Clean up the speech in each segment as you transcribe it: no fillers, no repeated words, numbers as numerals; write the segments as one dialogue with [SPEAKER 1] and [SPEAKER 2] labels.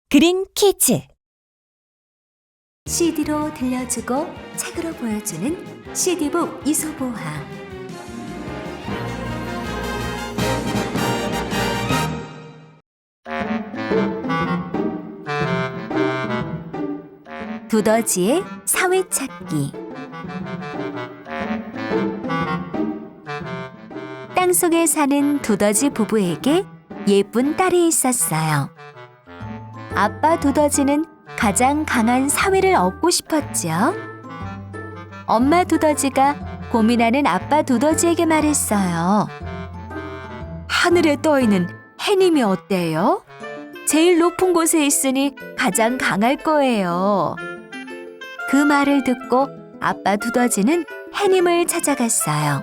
[SPEAKER 1] 그린 퀴즈.
[SPEAKER 2] CD로 들려주고 책으로 보여주는 CD북 이소보화. 두더지의 사회찾기. 땅속에 사는 두더지 부부에게 예쁜 딸이 있었어요. 아빠 두더지는 가장 강한 사위를 얻고 싶었죠. 엄마 두더지가 고민하는 아빠 두더지에게 말했어요. 하늘에 떠있는 해님이 어때요? 제일 높은 곳에 있으니 가장 강할 거예요. 그 말을 듣고 아빠 두더지는 해님을 찾아갔어요.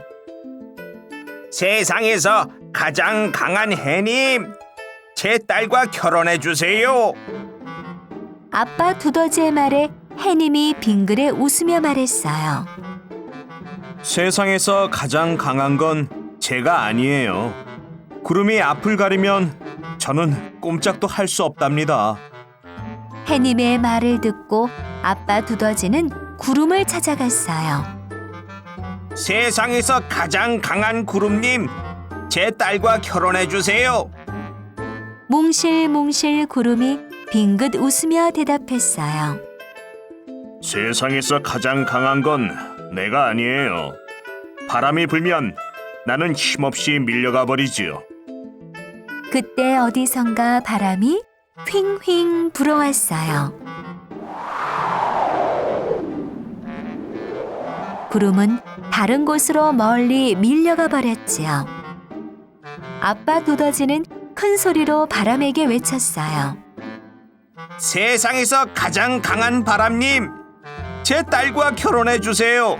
[SPEAKER 3] 세상에서 가장 강한 해님, 제 딸과 결혼해 주세요.
[SPEAKER 2] 아빠 두더지의 말에 해님이 빙그레 웃으며 말했어요.
[SPEAKER 3] 세상에서 가장 강한 건 제가 아니에요. 구름이 앞을 가리면 저는 꼼짝도 할 수 없답니다.
[SPEAKER 2] 해님의 말을 듣고 아빠 두더지는 구름을 찾아갔어요.
[SPEAKER 3] 세상에서 가장 강한 구름님, 제 딸과 결혼해 주세요.
[SPEAKER 2] 몽실몽실 구름이 빙긋 웃으며 대답했어요.
[SPEAKER 3] 세상에서 가장 강한 건 내가 아니에요. 바람이 불면 나는 힘없이 밀려가 버리지요.
[SPEAKER 2] 그때 어디선가 바람이 휑휑 불어왔어요. 구름은 다른 곳으로 멀리 밀려가 버렸지요. 아빠 두더지는 큰 소리로 바람에게 외쳤어요.
[SPEAKER 3] 세상에서 가장 강한 바람님, 제 딸과 결혼해 주세요.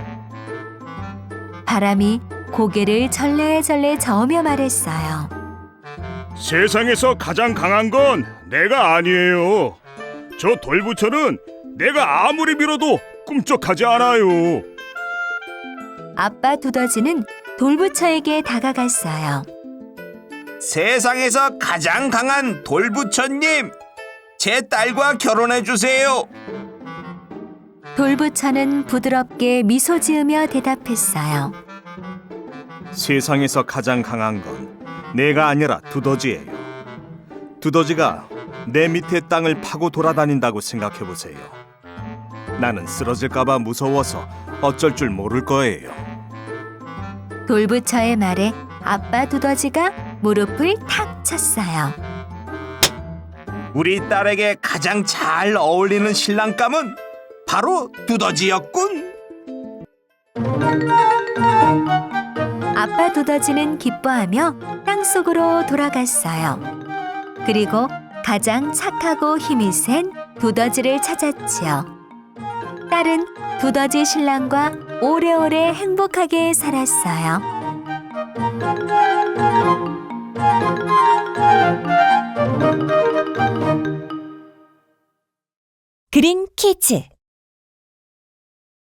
[SPEAKER 2] 바람이 고개를 절레절레 저으며 말했어요.
[SPEAKER 4] 세상에서 가장 강한 건 내가 아니에요. 저 돌부처는 내가 아무리 밀어도 꿈쩍하지 않아요.
[SPEAKER 2] 아빠 두더지는 돌부처에게 다가갔어요.
[SPEAKER 3] 세상에서 가장 강한 돌부처님, 제 딸과 결혼해 주세요.
[SPEAKER 2] 돌부처는 부드럽게 미소 지으며 대답했어요.
[SPEAKER 3] 세상에서 가장 강한 건 내가 아니라 두더지예요. 두더지가 내 밑에 땅을 파고 돌아다닌다고 생각해 보세요. 나는 쓰러질까봐 무서워서 어쩔 줄 모를 거예요.
[SPEAKER 2] 돌부처의 말에 아빠 두더지가 무릎을 탁 쳤어요.
[SPEAKER 3] 우리 딸에게 가장 잘 어울리는 신랑감은 바로 두더지였군.
[SPEAKER 2] 아빠 두더지는 기뻐하며 땅속으로 돌아갔어요. 그리고 가장 착하고 힘이 센 두더지를 찾았지요. 딸은 두더지 신랑과 오래오래 행복하게 살았어요.
[SPEAKER 1] 그린 퀴즈.